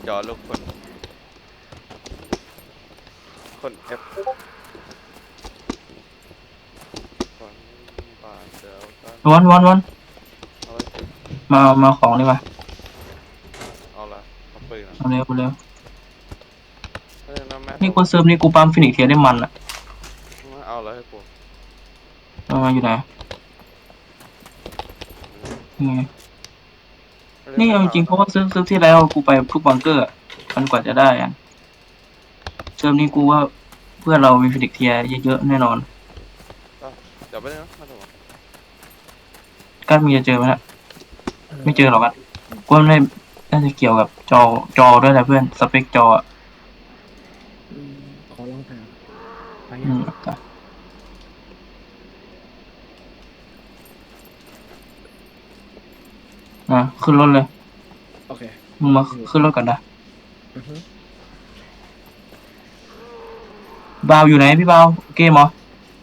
จอลูกคน F คนบาดเจ็บกันวันเอาไว้สิมาของดีกว่าเอาละเอาปืนอ่ะเอาเร็วเฮ้ยน้ำแม่นี่กูเซิร์ฟนี่กูปั๊มฟินิกเทียได้มันอ่ะเอาแล้วให้กูอยู่ไหนนี่ไงเล่นนี่ไม่เอาจริงเพราะว่าเซิร์ฟที่แล้วกูไปทุกบังเกอร์มันกว่าจะได้อ่ะเซิร์ฟนี้กูว่าเพื่อนเรามีฟินิกเทียเยอะๆแน่นอนเดี๋ยวไปเลยนะมาถูกกัดมึงจะเจอไหมล่ะไม่เจอหรอกกัดกูว่าไม่น่าจะเกี่ยวกับจอด้วยแหละเพื่อนสเปคจอขอลองถามไปอืยังมขึ้นรถเลยโอเคมึงมาขึ้นรถก่อนนะอือฮึบาวอยู่ไหนพี่บาวเกมเหรอ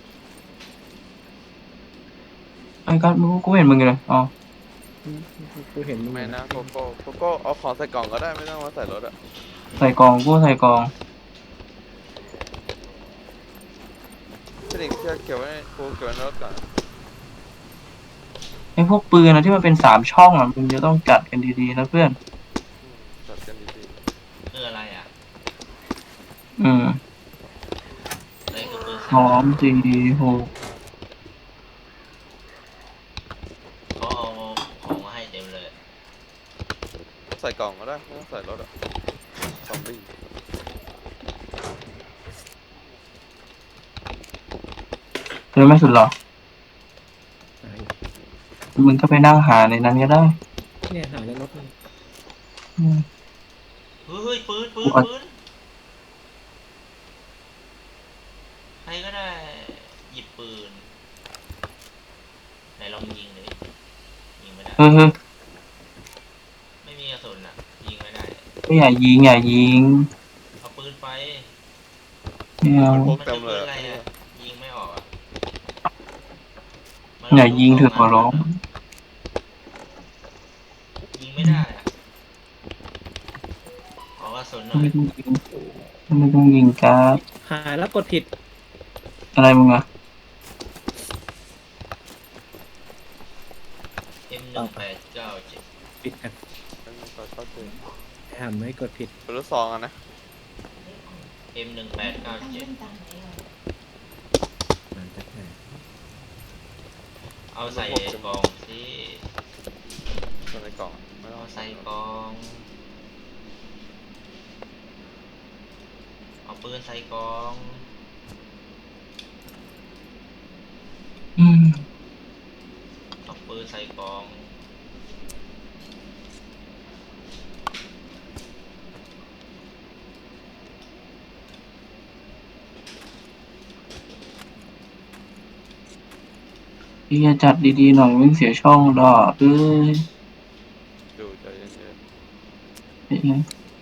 ไอ้กัดกูไม่เห็นมึงเลยอ๋อกูเห็นมึงไม่อยู่นะโกโก้เอาของใส่กล่องก็ได้ไม่ต้องมาใส่รถอ่ะใส่กล่องกูใส่กล่องพี่เด็กเชื่อเก็บไว้กูเก็บไว้ในรถก่อนไอ้พวกปืนนะที่มันเป็น3 ช่องอ่ะมึงจะต้องจัดกันดีๆนะเพื่อนจัดกันดีคืออะไรอ่ะอืมอะไรคือปืนหอม4 6 เขาเอาของมาให้เต็มเลยๆใส่กล่องก็ได้ไม่ต้องใส่รถอ่ะซอมบี้เธอไม่สุดหรอไหนมึงก็ไปนั่งหาในนั้นก็ได้เนี่ยหาในรถมันอืมเฮ้ยปืนใครก็ได้หยิบปืนไหนลองยิงเลยยิงไม่ได้เฮ้ยไม่มีกระสุนอ่ะยิงไม่ได้อย่ายิงเอาปืนไปไม่เอามันพกมันเต็มคือปืนเลยอะไรอ่ะยิงไม่ออกอ่ะมันอย่ายิงลูกเถอะขอร้องยิงไม่ได้อ่ะขอกระสุนหน่อยไม่ต้องยิงการ์ดหาแล้วกดผิดอะไรมึงอะ M1897 ปิดกันเป็นต่อเข้าเจอหาไม่กดผิดเป็นรถซองอ่ะนะ M1897 มันจะไหนเอาใส่กล่องสิใส่ในกล่องไม่ต้อเอางใส่กล่องเอาปืนใส่กล่องอืมเอาปืนใส่กล่องพี่จะจัดดีๆหน่อยมึงเสียช่องดอกยดูใจเย็นเป็นไง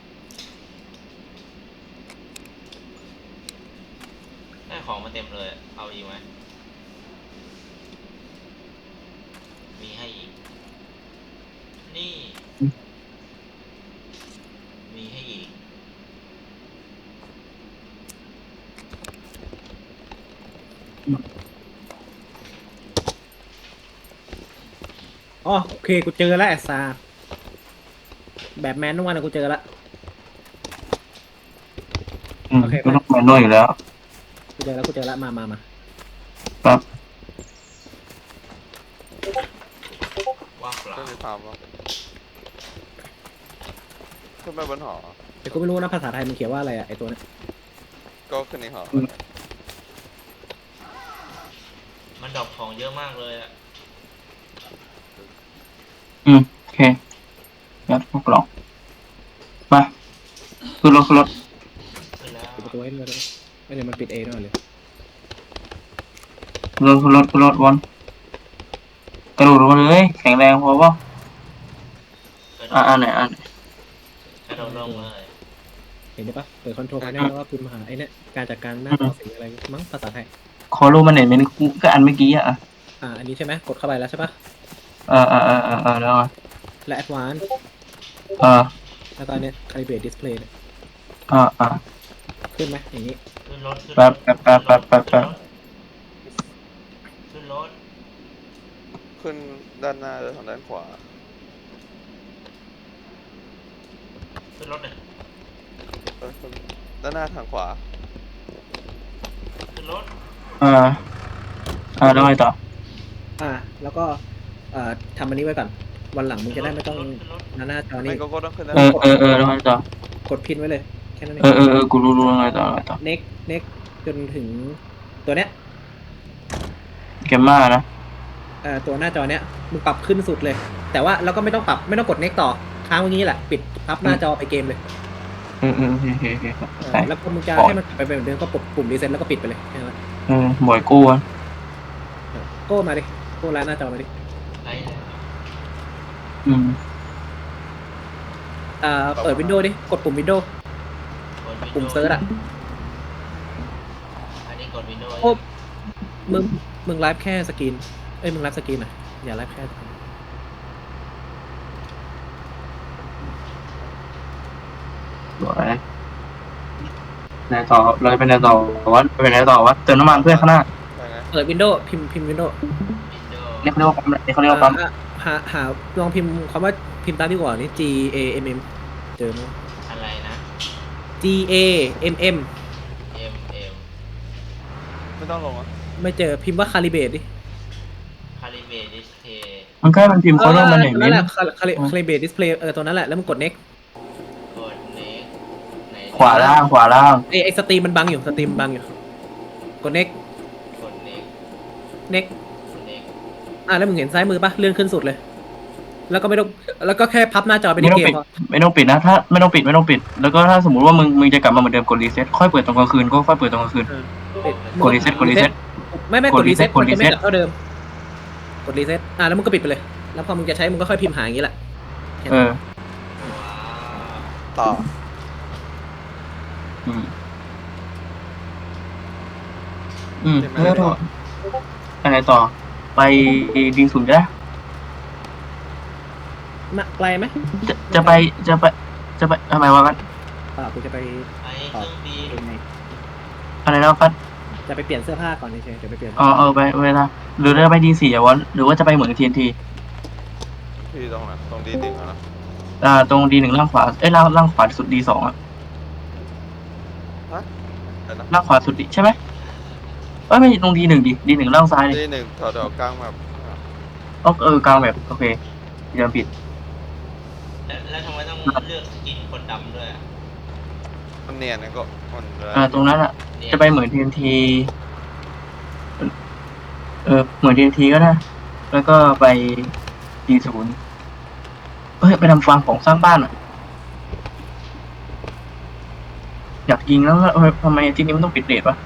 ได้ของมาเต็มเลยเอาอีกไหมมีให้อีกนี่มีให้อีกอ๋อโอเคกูเจอแล้วไอ้ซาแบบแมนทุกวันนะกูเจอแล้วโอเคก็ต้องแมนนวลอยู่แล้วกูเจอแล้วมาปั๊บว่างเปๆล่าก็มีถามว่าขึ้นไปบนหอแต่กูไม่รู้นะภาษาไทยมันเขียนว่าอะไรอะไอตัวเนี้ยก็ขึ้นในหอมันดรอปของเยอะมากเลยอะโอเคยัดพวกกล่องมาขึ้นรถขึ้นแล้วปิดประตูให้ด้วยไม่เดี๋ยวมันปิดเองด้วยเลยขึ้นรถวันกระโดดลงมาเลยแข็งแรงพอป่ะไหนกระโดดลงเลยเห็นได้ปะเปิดคอนโทรลภายในแล้วก็พิมพ์หาไอ้เนี่ยการจัดการหน้าจอสีอะไรมั้งภาษาไทยขอรูมันเห็นเป็นก็อันเมื่อกี้อ่ะอันนี้ใช่ไหมกดเข้าไปแล้วใช่ปะแล้วและ Advanced เออแล้วก็อันเนี้ย calibrate display เนี่ยอ่าขึ้นไหมอย่างนี้ขึ้นรถขึ้นรถแป๊บขึ้นรถขึ้นด้านหน้าหรือทางด้านขวาขึ้นรถเลยขึ้นด้านหน้าทางขวาขึ้นรถแล้วไงต่อแล้วก็ทำอันนี้ไว้ก่อน วันหลังมึงจะได้ไม่ต้องขึ้นรถหน้าจอไม่นี่ก็ต้องขึ้นด้านแล้วไงต่อกดพินไว้เลย แค่นั้นเองกูรู้แล้วไงต่อ next จนถึงตัวเนี้ยเกมมานะตัวหน้าจอเนี้ยมึงปรับขึ้นสุดเลย แต่ว่าเราก็ไม่ต้องปรับไม่ต้องกด next ต่อค้างไว้งี้แหละปิดพับหน้าจอไปเกมเลยโอเคใช่แล้วพอมึงจะให้มันไปเหมือนเดิมก็กดปุ่มรีเซ็ตแล้วก็ปิดไปเลยแค่นั้นบ่อยกู้อ่ะโก้มาดิโก้ร้านหน้าจอมาดิไหนเนี่ยเปิดวินโดว์ดิกดปุ่มวินโดว์กด Windows ปุ่มเซิร์ชอ่ะอันนี้กด Windows โอ้มึงไลฟ์แค่สกรีนมึงไลฟ์สกรีนอ่ะอย่าไลฟ์แค่บ่อยไหนต่อเราจะไปไหนต่อวะเติมน้ำมันเพื่อข้างหน้าใช่ไงเปิดวินโดว์พิมพ์วินโดว์ Windows นี่เขาเรียกว่าปั๊มนี่เขาเรียกว่าปั๊มหาลองพิมพ์คำว่าพิมพ์ตามที่ก่อนนี่ G A M M เจอไหมอะไรนะ G A M M M M ไม่ต้องลงอ่ะไม่เจอพิมพ์ว่า calibrate ดิ Calibrate Display มันแค่มันพิมพ์เขาเรียกมันอย่างนั่นี้นแหละ calibrate display ตัวนั้นแหละแล้วมึงกด next กด Next ไหนขวาล่างไอสตรีมมันบังอยู่กด next กด Next next กด Next แล้วมึงเห็นซ้ายมือปะเลื่อนขึ้นสุดเลย แล้วก็ไม่ต้องแล้วก็แค่พับหน้าจอไปไม่ที่ต้องเกปิมดไม่ต้องปิดนะถ้าไม่ต้องปิดแล้วก็ถ้าสมมติว่ามึงจะกลับมาเหมือนเดิมกดรีเซ็ตค่อยเปิดตอนกลางคืนก็ค่อยเปิดตอนกลางคืนกดรีเซ็ตไม่กดรีเซ็ตกมัดนรีจะเซ็ไม่ตกลับเท่าเดิมกดรีเซ็ตแล้วมึงก็ปิดไปเลย แล้วพอมึงจะใช้มึงก็ค่อยพิมพ์หาอย่างนี้แหละว้าวต่อแล้วก็อะไรต่อไปดีศูนย์ก็ได้ไกลไหมจะไปทำไมวะกันกูจะไปไอ้เครื่องบินเองไงอะไรแล้วกันจะไปเปลี่ยนเสื้อผ้าก่อนเฉยๆจะไปเปลี่ยนไปนะหรือจะไปดีสี่วะหรือว่าจะไปเหมือนTNT ที่ตรงไหนตรงดีดิ่งนะตรงD1ล่างขวาล่างขวาสุดD2อ่ะเดี๋ยวนะล่างขวาสุดดิใช่ไหมไม่ตรงD1D1ล่างซ้ายดิดีหนึ่งแถวกลางแบบกลางแบบโอเคจำผิดแล้วทำไมต้องเลือกสกินคนดำด้วยอะมันเนียนนะก็มันตรงนั้นอ่ะเนี่ยจะไปเหมือนTNT เหมือนTNTก็ได้แล้วก็ไปD0ไปทำฟาร์มของสร้างบ้านอ่ะอยากยิงแล้วทำไมที่นี้มันต้องปิดเรทวะ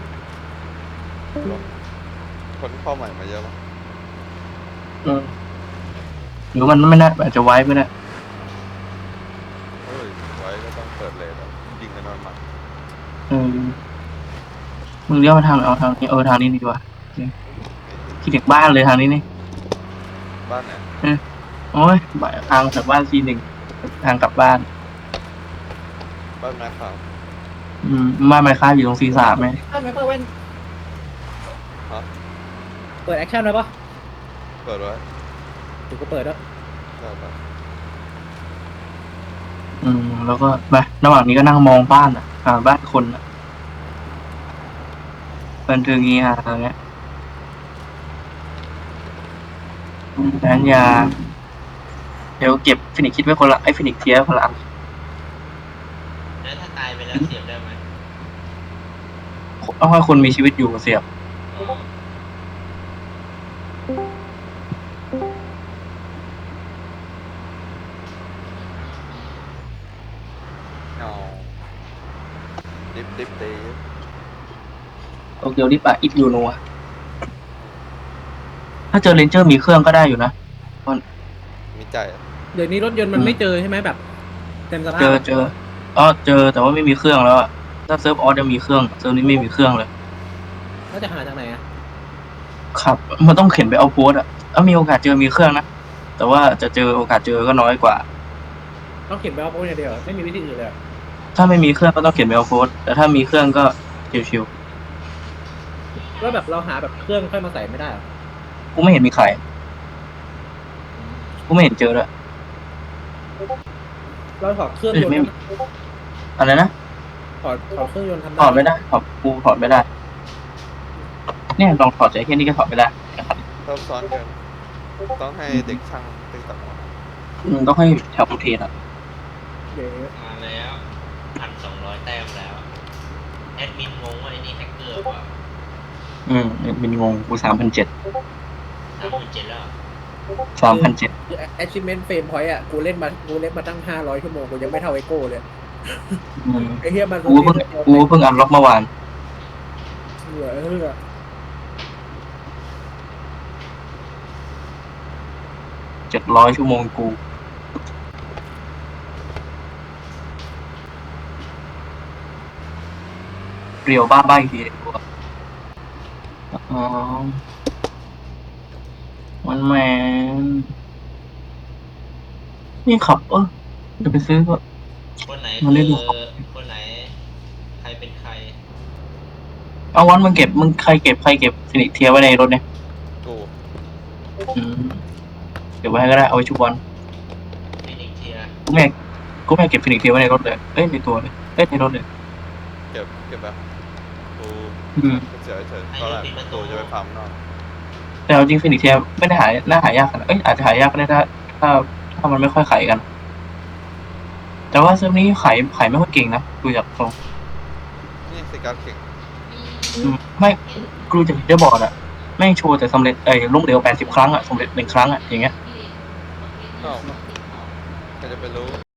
คนเข้าใหม่มาเยอะมั้งหรือมันไม่น่าอาจจะไว้ไม่ได้เฮ้ยไว้ก็ต้องเปิดเลยยิงกันนอนหมัดมึงเลี้ยวมาทางไหนเอาทางนี้ทางนี้ดีกว่าที่เด็กบ้านเลยทางนี้นี่บ้านไหนโอ้ยทางจากบ้านC1ทางกลับบ้านบ้านแม่ขาวบ้านไมค้าอยู่ตรงC3ไหมไม่เปิดเว้นเปิดแอคชั่นไว้ปะเปิดไว้ถูกก็เปิดแล้วได้ปะแล้วก็ไประหว่างนี้ก็นั่งมองบ้านอ่ะบ้านคนอ่ะบันเทิงงี้ฮะอะไรเงี้ยร้านยาเดี๋ยวเก็บฟินิกคิดไว้คนละฟินิกเทียคนละอันแล้วถ้าตายไปแล้วเสียบได้ไหมต้องให้คนมีชีวิตอยู่เสียบอ๋อเอาดิบตีโตเกียวดิปะอิฟยูโนะถ้าเจอเรนเจอร์มีเครื่องก็ได้อยู่นะมีใจเดี๋ยวนี้รถยนต์มันไม่เจอใช่ไหมแบบ เต็มสภาพเจอเจอแต่ว่าไม่มีเครื่องแล้วอะถ้าเซิร์ฟออสจะมีเครื่องเซิร์ฟนี้ไม่มีเครื่องเลยแล้วจะหาจากไหนอ่ะครับมันต้องเข็นไปเอาโพสอะมีโอกาสเจอมีเครื่องนะแต่ว่าจะเจอโอกาสเจอก็น้อยกว่าต้องเขียนแบบโค้ดอย่างเดียวไม่มีวิธีอื่นเลยถ้าไม่มีเครื่องก็ต้องเขียนเมลโค้ดแต่ถ้ามีเครื่องก็ชิวแล้วแบบเราหาแบบเครื่องค่อยมาใส่ไม่ได้เหรอๆกูไม่เห็นมีใครกูไม่เห็นเจอเลยเราถอดเครื่องยนต์ไม่อะไรนะถอดเครื่องยนต์ทำถอดไม่ได้กูถอดไม่ได้ เนี่ยลองถอดใจแค่นี้ก็ถอดไม่ได้นะครับซับซ้อนเกินต้องให้เด็กช่างตึงตัดหมดต้องให้แถวกูเทนอ่ะเดี๋ยวมาแล้ว1,200 แต้มแล้วแอดมินงงว่าไอ้นี่แฮกเกอร์เปล่าเป็นงงกู3,700 37,000แล้ว 3,700 achievement frame point อ่ะกูเล่นมาตั้ง500 ชั่วโมงกูยังไม่เท่าไอโก้เลยไอเฮียมันกูเพิ่งอันล็อกเมื่อวานเหลือ 700 ชั่วโมงกูเรียวบ้าใบทีเลยกูมันแมนนี่ขับเดี๋ยวไปซื้อก็คนไหนมันได้ดูคนไหนใครเป็นใครเอาวันมึงใครเก็บฟินิกเทียไว้ในรถเนี่ยกูเก็บไว้ให้ก็ได้เอาไว้ชุบวันฟินิกเทียกูไม่อยากเก็บฟินิกเทียไว้ในรถเลยในตัวเลยในรถเลยเก็บแบบกูเฉยตอนแรกกูจะไปฟาร์มนอกแต่เอาจริงฟินิกเทียไม่ได้น่าหายากขนาดอาจจะหายากก็ได้ถ้ามันไม่ค่อยขายกัน แต่ว่าเซิร์ฟนี้ขายไม่ค่อยเก่งนะดูจากตรงนี่สิการเก่งไม่กูจากเดอร์บอร์ดอะแม่งโชว์แต่สำเร็จล้มเหลว80 ครั้งอะสำเร็จ1 ครั้งอะอย่างเงี้ยอ้าวใครจะไปรู้